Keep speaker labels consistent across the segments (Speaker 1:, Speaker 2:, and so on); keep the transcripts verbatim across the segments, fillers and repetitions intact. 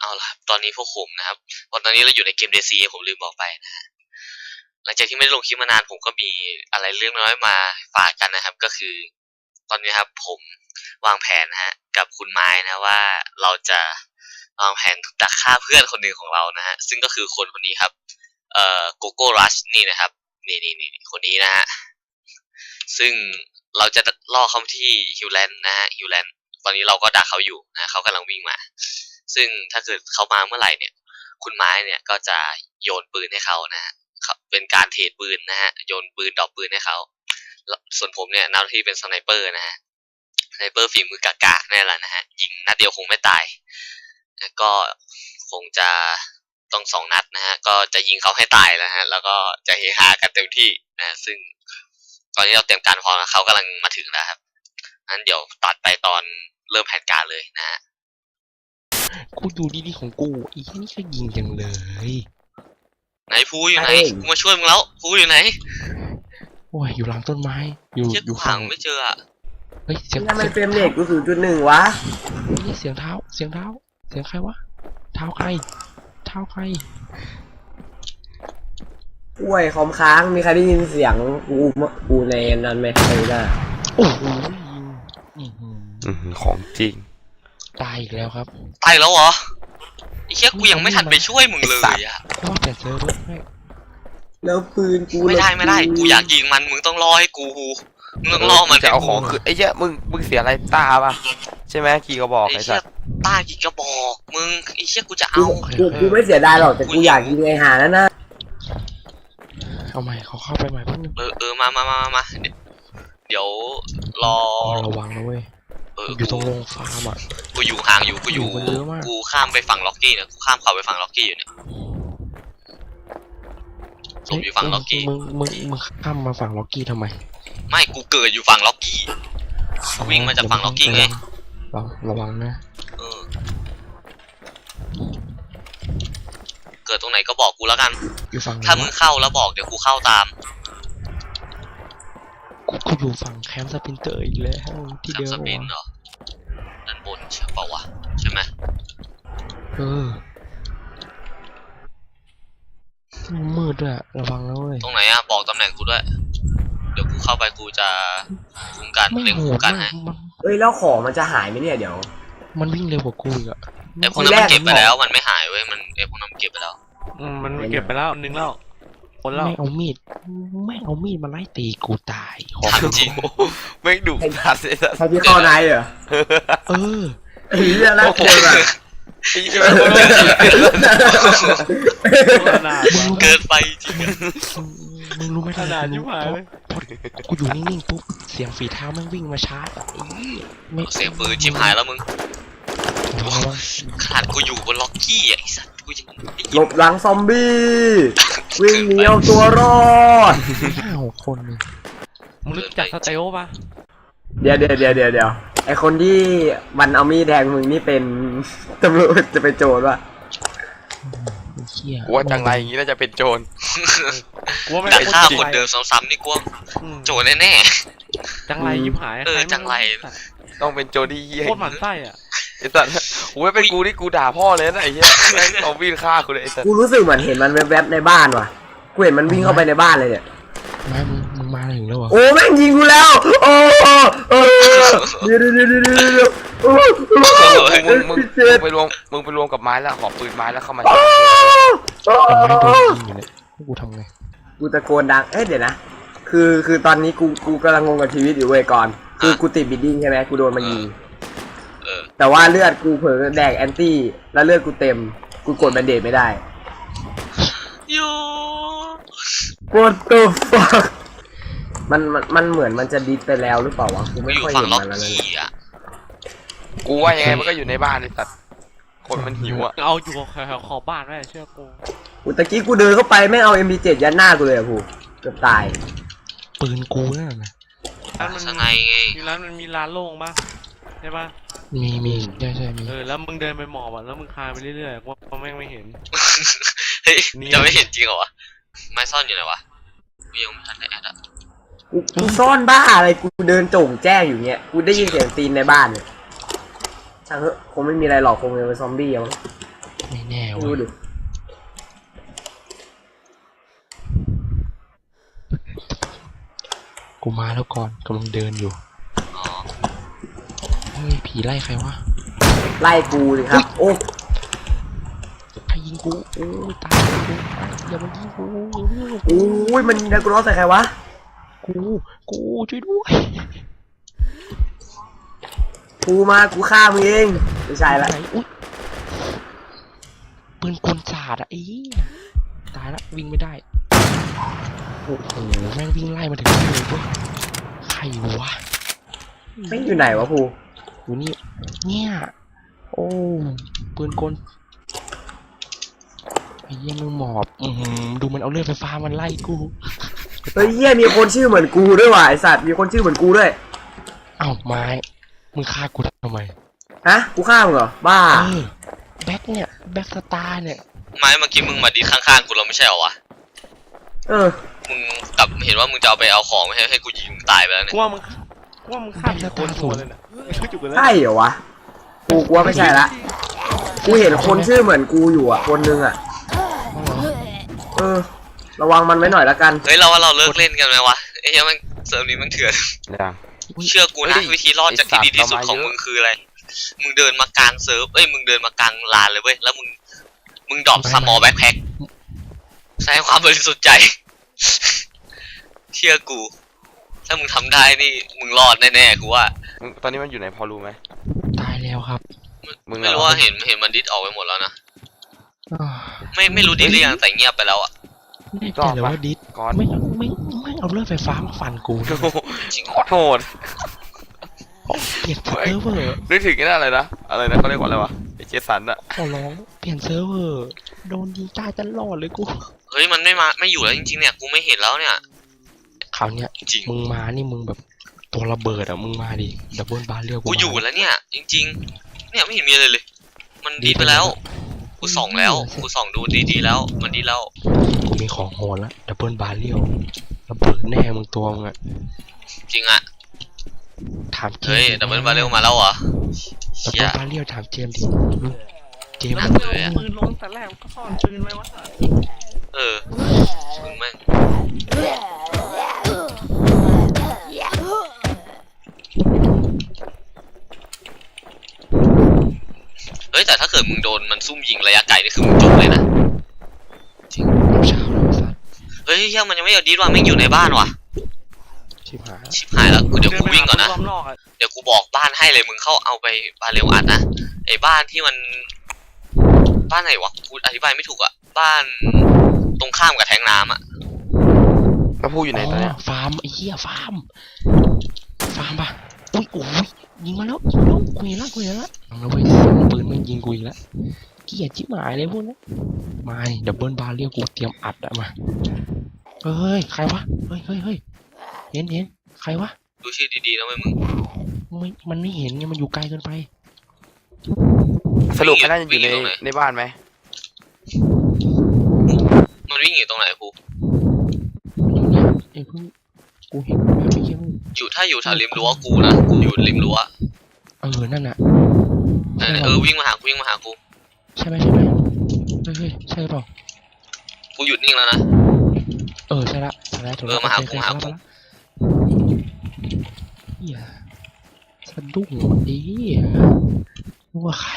Speaker 1: เอาล่ะตอนนี้พวกผมนะครับวันตอนนี้เราอยู่ในเกม ดี ซี ผมลืมบอกไปนะฮะหลังจากที่ไม่ได้ลงคลิปมานานผมก็มีอะไรเรื่องน้อยมาฝากกันนะครับก็คือตอนนี้ครับผมวางแผนนะฮะกับคุณไม้นะว่าเราจะวางแผนดักฆ่าเพื่อนคนหนึ่งของเรานะฮะซึ่งก็คือคนคนนี้ครับเอ่อโกโก้รัชนี่นะครับนี่นี่นี่คนนี้นะฮะซึ่งเราจะล่อเขาที่ฮิวแลนด์นะฮะฮิวแลนด์ตอนนี้เราก็ดักเขาอยู่นะเขากำลังวิ่งมาซึ่งถ้าเกิดเขามาเมื่อไหร่เนี่ยคุณไม้เนี่ยก็จะโยนปืนให้เขานะฮะเป็นการเทรดปืนนะฮะโยนปืนดอกปืนให้เขาส่วนผมเนี่ยหน้าที่เป็นสไนเปอร์นะฮะสไนเปอร์ฝีมือกากๆนี่แหละนะฮะยิงนัดเดียวคงไม่ตายก็คงจะต้องสองนัดนะฮะก็จะยิงเขาให้ตายแล้วฮะแล้วก็จะเฮฮากันเต็มที่นะซึ่งตอนนี้เราเตรียมการพร้อมแล้วเขากำลังมาถึงแล้วครับงั้นเดี๋ยวตัดไปตอนเริ่มแผนการเลยนะฮะ
Speaker 2: กูดูดีๆของกูอีแค่นี้ก็ยิงจังเลย
Speaker 1: ไหนพูอยู่ไหนกูมาช่วยมึงแล้วพูอยู่ไหน
Speaker 2: โอ้ยอยู่หลังต้นไม้อยู่อยู่
Speaker 1: ฝั่งไม่เจออะ
Speaker 2: เฮ้ยเสียง
Speaker 3: ทำไมเฟรมเรทกูศูนย์จุดหนึ่งวะ
Speaker 2: นี่เสียงเท้าเสียงเท้าเสียงใครวะเท้าใครเท้าใคร
Speaker 3: ป่วยคอมค้างมีใครได้ยินเสียงกูกูในนั้นไหมใครได้
Speaker 2: โอ้โห
Speaker 4: ของจริง
Speaker 2: ตายอีกแล้วครับ
Speaker 1: ตายแล้วเหรอไอ้เชี่ยกูยังไม่ทันไปช่วยมึงเลยอะ
Speaker 2: ก็ว่าแต่เซิร์ฟด้วย
Speaker 3: แล้วปืนกู
Speaker 1: ไม่ได้ไม่ได้กูอยากยิงมันมึงต้องรอให้กูมึงต้องรอมัน
Speaker 4: จะเอาของคือไอ้เชี่ยมึงมึงเสียอะไรตาป่ะใช่ไหมกี่กระบอกไอ้
Speaker 1: เชี่ยตากี่กระบอกมึงไอ้เชี่ยกูจะเอา
Speaker 3: กูกูไม่เสียดายหรอกแต่กูอยากยิงไอ้หานั่นนะ
Speaker 2: เอาใหม่เขาเข้าไปใหม่เพิ่ง
Speaker 1: เออเออมามามามาเดี๋ยวรอ
Speaker 2: ระวังนะเว้ยอยู่ตรงโรงฟาร์มอ่ะ
Speaker 1: กูอยู่ห่างอยู่กูอยู่กูข้ามไปฝั่งล็อกกี้เนี่ยกูข้ามเขาไปฝั่งล็อกกี้อยู่เนี่ยผมอยู่ฝั่งล็อกกี้
Speaker 2: มึงมึงมึงข้ามมาฝั่งล็อกกี้ทำไม
Speaker 1: ไม่กูเกิดอยู่ฝั่งล็อกกี้วิ่งมาจากฝั่งล็อกกี้ไง
Speaker 2: ระวังนะ
Speaker 1: เออเกิดตรงไหนก็บอกกูแล้วกันถ้ามึงเข้าแล้วบอกเดี๋ยวกูเข้าตาม
Speaker 2: กูอยู่ฝั่งแคมป์สปินเตอร์อีกแล้วที่เดิม
Speaker 1: สปินเหรอด้านบนใช่เปล่าวะใช่ไหม
Speaker 2: เออมืดด้วยระวังนะเว้ย
Speaker 1: ตรงไหนอะบอกตำแหน่งกูด้วยเดี๋ยวกูเข้าไปกูจะคุ้มกันเล็งคุ้มกันให้
Speaker 3: เฮ้ยแล้วของมันจะหายไหมเนี่ยเดี๋ยว
Speaker 2: มันวิ่งเร็วกว่ากูอีกอะ
Speaker 1: ไอ้พวกนั้นมันเก็บไปแล้วมันไม่หายเว้ยมันไอ้พวกนั้นมันเก็บไปแล้ว
Speaker 4: อืมมันเก็บไปแล้วนึงแล้วคนแล้ว
Speaker 2: ไม่เอามีดไม่เอามีดมาไล่ตีกูตาย
Speaker 1: จริง
Speaker 4: ไม่ดุดัดเลย
Speaker 3: ใครที่เข้าในเหรอ
Speaker 2: เออ
Speaker 3: ไอ้เรื่องน่ากลัวอะ
Speaker 1: เกินไปจริง
Speaker 2: มึงรู้ไหม
Speaker 4: ขนาดยิ่งหายเลย
Speaker 2: กูอยู่นิ่งๆปุ๊บเสียงฝีเท้ามันวิ่งมาชาร์จ
Speaker 1: ไม่เสียงปืนชิบหายแล้วมึงขนาดกูอยู่บนล็อกกี้ไอ้สัตว์กูยัง
Speaker 3: หลบหลังซอมบี้วิ่งหนีเอาตัวรอด
Speaker 2: ห้าหกคน
Speaker 4: มึงรู้จักสเตลป่ะ
Speaker 3: เดี๋ยวเดี๋ยวเดี๋ยวเดี๋ยวเดี๋ยวไอคนที่มันเอามีดแทงมึงนี่เป็นตำรวจจะเป็นโจรป่ะ
Speaker 4: กูว่าจังไรอย่างงี้น่าจะเป็นโจร
Speaker 1: กูว่าไม่ได้ฆ่าคนเดิมซ้ำๆนี่กูโจรแน่
Speaker 4: ๆจังไรยิบหาย
Speaker 1: เออจังไร
Speaker 4: ต้องเป็นโจรที่เหี้ย
Speaker 5: โคตรหมันไส้อ่ะ
Speaker 4: ไอ้สัตว์กูไม่เป็นกูนี่กูด่าพ่อเลยนะไอ้เหี้ยเอาวิ่งฆ่ากูเลยไอ้สัตว์
Speaker 3: กูรู้สึกเหมือนเห็นมันแวบๆในบ้านว่ะกูเห็นมันวิ่งเข้าไปในบ้านเลยเนี่ย
Speaker 2: มามึงมึงมาถึงแล้ววะ
Speaker 3: โอ้แม่งยิงกูแล้วโอ้โอ้เดี๋ยวเดี๋ยวเดี๋ยวเดี๋ยวเดี๋ยวโอ้
Speaker 4: มึงมึงไปรวมมึงไปรวมกับไม้แล้วขอปืนไม้แล้วเข้ามา
Speaker 2: ไม้โดนยิงอยู่เนี่ยกูทำไง
Speaker 3: กูตะโกนดังเอ๊ะเดี๋ยวนะคือคือตอนนี้กูกูกำลังงงกับชีวิตอยู่เว้ยก่อนคือกูติดบิดดิ้งใช่ไหมกูโดนมันยิงแต่ว่าเลือดกูเผลอแดกแอนตี้แล้วเลือดกูเต็มกูกดแบนเดดไม่ได้
Speaker 1: ยู
Speaker 3: What the fuck มันมันมันเหมือนมันจะดิสไปแล้วหรือเปล่าวะกูไม่ค่อยเห็นมันแล้วเลย
Speaker 4: กูว่ายังไงมันก็อยู่ในบ้านไอ้สัตว์คนมันหิวอ่ะ
Speaker 5: เอาอยู่แถวขอบบ้านได้เชื่อกู
Speaker 3: อุตะกี้กูเดินเข้าไปไม่เอา เอ็ม พี เจ็ด ยัดหน้ากูเลยอะกูเกือบตาย
Speaker 2: ปืนกูนั่นนะ
Speaker 5: ร้านมันมีร้านมันมีร้านโล่งป่ะใช่ป่ะ
Speaker 2: มีมีใช่ใช่มี
Speaker 5: เออแล้วมึงเดินไปหมอบอ่ะแล้วมึงคานไปเรื่อยๆว่าเขาแม่งไม่เห็น
Speaker 1: เฮ้ยจะไม่เห็นจริงเหรอวะไม้ซ่อนอยู่ไหนวะกูยังไม่ทันได้แอดอ่ะ
Speaker 3: กูซ่อนบ้าอะไรกูเดินโจ่งแจ้งอยู่เงี้ยกูได้ยินเสียงตีนในบ้านเนี่ยช่างเถอะคงไม่มีอะไรหรอกคงเป็นซอมบี้มั้ง
Speaker 2: ไม่แน่
Speaker 3: ดู
Speaker 2: เว้ย
Speaker 3: ดิ
Speaker 2: กูมาแล้วก่อนกำลังเดินอยู่
Speaker 1: อ๋อ
Speaker 2: เฮ้ยผีไล่ใครวะ
Speaker 3: ไล่กูเลยครับ โอ้
Speaker 2: ใครยิงกูโอ้ยตายกูอย่ามายิงกู
Speaker 3: โอ้ยมันยิงดากูร้อนใส่ใครวะ
Speaker 2: กูกูช่วยด้วย
Speaker 3: กูมากูฆ่ามึงเองไม่ใช่ละ
Speaker 2: ไหนอุ๊ยปืนกลศาสตร์อะไอ้เหี้ยตายละวิ่งไม่ได้โอ้โหแม่งวิ่งไล่มาถึงนี่เลยเว้ยใครวะ
Speaker 3: ไม่อยู่ไหนวะภู
Speaker 2: อยู่นี่เนี่ยโอ้ปืนกลไอ้เหี้ยมึงหมอบอือหือดูมันเอาเลือดไฟฟ้ามันไล่กู
Speaker 3: เฮ้ยเหี้ยมีคนชื่อเหมือนกูด้วยว่ะไอสัตว์มีคนชื่อเหมือนกูด้วย
Speaker 2: เอ้าไม้มึงฆ่ากูทำไม
Speaker 3: ฮะกูฆ่ามึงเหรอบ้า
Speaker 2: เออแบ็คเนี่ยแบ็คสตาร์เนี่ย
Speaker 1: ไม่เมื่อกี้มึงมาดีข้างๆกูแล้วไม่ใช่เหรอวะ
Speaker 3: เออ
Speaker 1: มึงกลับเห็นว่ามึงจะเอาไปเอาของไม่ให้ให้กูยิงมึงตายไปแล้วเนี่ย
Speaker 5: กูว่ามึงกูว่ามึงฆ่าผิดคนตัวเลยนะไม่จุกเลย
Speaker 3: ใช่เหรอวะกูกลัวไม่ใช่ละกูเห็นคนชื่อเหมือนกูอยู่อ่ะคนนึงอ่ะเออ ระวังมันไว้หน่อยละกัน
Speaker 1: เฮ้ยเราว่าเราเลิกเล่นกันไหมวะไอ้เหี้ยมันเซิร์ฟนี้มันเถื่อน
Speaker 4: อย่าง
Speaker 1: เชื่อกูนะวิธีรอดจากที่ดีที่สุดของมึงคืออะไร มึงเดินมากลางเซิร์ฟเอ้ยมึงเดินมากลางลานเลยเว้ยแล้วมึงมึงดรอปสมอลแบ็คแพ็คใช้ความบริสุทธิ์ใจ เชื่อกู ถ้ามึงทำได้นี่มึงรอดแน่ๆกูว่า
Speaker 4: มึงตอนนี้มันอยู่ไหนพอรู้ไหม
Speaker 2: ตายแล้วครับ
Speaker 4: มึง
Speaker 1: ไม่รู้ว่าเห็นเห็นมันดิสออกไปหมดแล้วนะ
Speaker 2: อ้าว
Speaker 1: ไม่ไม่รู้ดิสหรือยังแต่เงียบไปแล้วอ่ะ
Speaker 2: แน่ใจเลยว่าดิส
Speaker 4: ก่อน
Speaker 2: ไม่ไม่ไม่เอาเลือดไฟฟ้ามาฟันกูด้วย
Speaker 1: จริง
Speaker 4: ขอโทษ
Speaker 2: เปลี่ยนเซิร์ฟเวอร์
Speaker 4: นึกถึงไอ้นั่นอะไรนะอะไรนะเขาเรียกว่าอะไรวะไอเจสันอะ
Speaker 2: ขอร้องเปลี่ยนเซิร์ฟเวอร์โดนยิงตายตลอดเลยกู
Speaker 1: เฮ้ยมันไม่มาไม่อยู่แล้วจริงๆเนี่ยกูไม่เห็นแล้วเนี่ย
Speaker 2: คราวเนี้ย
Speaker 1: จริง
Speaker 2: มึงมานี่มึงแบบตัวระเบิดอ่ะมึงมาดิดับเบิลบาร์เรียก
Speaker 1: กูอยู่แล้วเนี่ย จริง ๆ เนี่ยไม่เห็นมีอะไรเลย มันดีไปแล้วกูส่องแล้วกูส่องดูดีๆแล้ว มันดีแล้ว
Speaker 2: กูมีของโหดแล้วดับเบิลบาร์เรียระเบิดแน่มึงตัวมึงอ่ะ
Speaker 1: จริงอ่ะ
Speaker 2: ถามเจม
Speaker 1: เฮ้ย
Speaker 2: ส์
Speaker 1: ดับเบิลบาเรลมาแล้วเหรอ
Speaker 2: ดับ
Speaker 1: เชี่
Speaker 2: เบิ
Speaker 1: ย
Speaker 2: ลบาร์เรียถามเจมส์ดิเจมส์
Speaker 1: น่า
Speaker 2: มัน
Speaker 1: เลยอะ
Speaker 5: ปืนล้นแต่แรกก็ซ่อนปืนไว้วะ
Speaker 1: เออมึงแม่งเฮ้ยแต่ถ้าเกิดมึงโดนมันซุ่มยิงระยะไกลนี่คือมึงจบเลยนะ
Speaker 2: เช้าแล้วสัตว์
Speaker 1: เฮ้ยเฮียมันยังไม่เอาดีดว่ะแม่งอยู่ในบ้านว่ะ
Speaker 2: ชิบหาย
Speaker 1: ชิบหายแล้วกูเดี๋ยวกูวิ่งก่อนนะ
Speaker 5: รอบนอกอะ
Speaker 1: เดี๋ยวกูบอกบ้านให้เลยมึงเข้าเอาไปบาเรลอัดนะไอ้บ้านที่มันบ้านไหนวะกูอธิบายไม่ถูกอะบ้านตรงข้ามกับแทงน้ำอะ
Speaker 4: แล้วพูดอยู่ไหนตอนเนี้ย
Speaker 2: ฟาร์มไอ้เหี้ยฟาร์มฟาร์มปะอุ้ยโอ้ยยิงมาแล้วยิงมาแล้วกูเห็นแล้วกูเห็นแล้วเอาแล้วเว้ยปืนมันยิงกูอีกแล้วเกลียดชิบหายเลยพวกนี้มาดิดับเบิลบาร์เรียกกูเตรียมอัดอะมาเฮ้ยใครวะเฮ้ยเฮ้ยเฮ้ยเห็นเห็นใครวะ
Speaker 1: ดูชื่อดีๆนะเว้ยมึง
Speaker 2: ไม่มันไม่เห็นไงมันอยู่ไกลเกินไป
Speaker 4: สรุปมันน่าจะอยู่ในในบ้านไหม
Speaker 1: มันวิ่งอยู่ตรงไหนกู
Speaker 2: อยู่เนี่ยไอ้เพิ่งกูเห็นแบบไม่เชื่อมึง
Speaker 1: อยู่ถ้าอยู่แถวริมรั้วกูนะกูอยู่ริมรั้ว
Speaker 2: เออนั่นน่ะ
Speaker 1: นั่นน่ะเออวิ่งมาหากูวิ่งมาหากู
Speaker 2: ใช่ไหมใช่ไหมเฮ้ยเฮ้ยใช่เปล่า
Speaker 1: กูหยุดนิ่งแล้วนะ
Speaker 2: เออใช่ละใช่ละถูก
Speaker 1: เอ
Speaker 2: แล้ว
Speaker 1: อมาหากู
Speaker 2: โอเค
Speaker 1: มาหากู
Speaker 2: เฮียสะดุ้งดีว่าใคร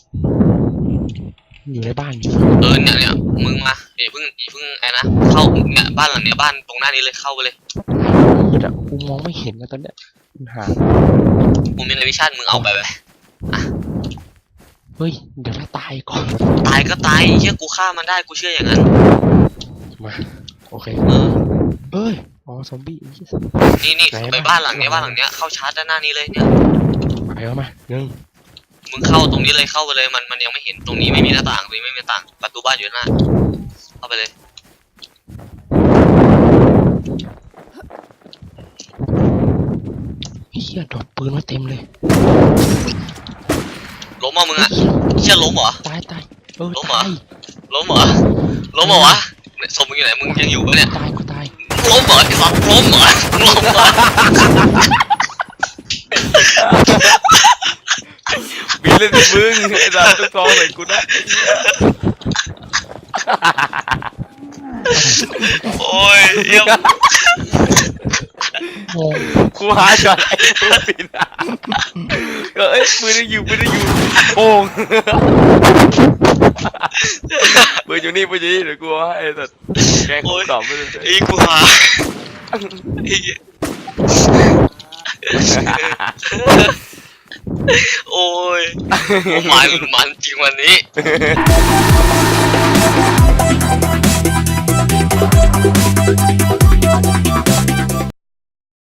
Speaker 2: อยู่ในบ้านอยู่
Speaker 1: เออเนี่ยเนี่ยมึงมาอย่าเพิ่งอย่าเพิ่งไอ้นะเข้าเนี่ยบ้านหลังเนี้ยบ้านตรงหน้านี้เลยเข้าไปเลย
Speaker 2: มืดอะกูมองไม่เห็นนะตอนเนี้ยปัญหา
Speaker 1: กูมีในวิชั่นมึงเอาไปไป
Speaker 2: เฮ้ยเดี๋ยวถ้าตายก่อน
Speaker 1: ตายก็ตายเฮียกูฆ่ามันได้กูเชื่ออย่างนั้น
Speaker 2: มาโอเค
Speaker 1: เออ
Speaker 2: เอ้ยอ๋อซอมบี้ไอ้เหี้ย
Speaker 1: นี่นี่
Speaker 2: ไหน
Speaker 1: ไป
Speaker 2: บ้าน
Speaker 1: บ้านหลังเนี้ยบ้านหลังเนี้ยเข้าชาร์จด้านหน้านี้เลยเนี่ย
Speaker 2: ไปแล้วมาหนึ่ง
Speaker 1: มึงเข้าตรงนี้เลยเข้าไปเลยมันมันยังไม่เห็นตรงนี้ไม่มีหน้าต่างตรงนี้ไม่มีหน้าต่างประตูบ้านอยู่หน้าเข้าไปเลย
Speaker 2: เฮียดอกปืนมาเต็มเลย
Speaker 1: ล้มเอามึงอะเชื่อล้มเหรอ
Speaker 2: ตายตายเออ
Speaker 1: ล้มเหรอ
Speaker 2: ตาย
Speaker 1: ล้มเหรอล้มเหรอวะเนี่ยศพมึงอยู่ไหนมึงยังอยู่ปะเนี่ย
Speaker 2: ตายกูตาย
Speaker 1: ล้มเหรอไอ้สัตว์ล้มเหรอล้มเหรอ
Speaker 4: บินเล่นสิมึงไอ้สัตว์ทุกทองใส่กูได้
Speaker 1: โอ้ยเยี่ยม
Speaker 2: โอ้
Speaker 4: กูหาช็อตไอ้ตัวปินอ่ะก็เอ้ยปืนยังอยู่ปืนยังอยู่โป่งปืนอยู่นี่ปืนอยู่นี่เดี๋ยวกูเอาให้ไอ้สัตว์แกงกูตอบไม่ได้
Speaker 1: ไอ้กูหาไอ้โอ้ยมันมันจริงวันนี้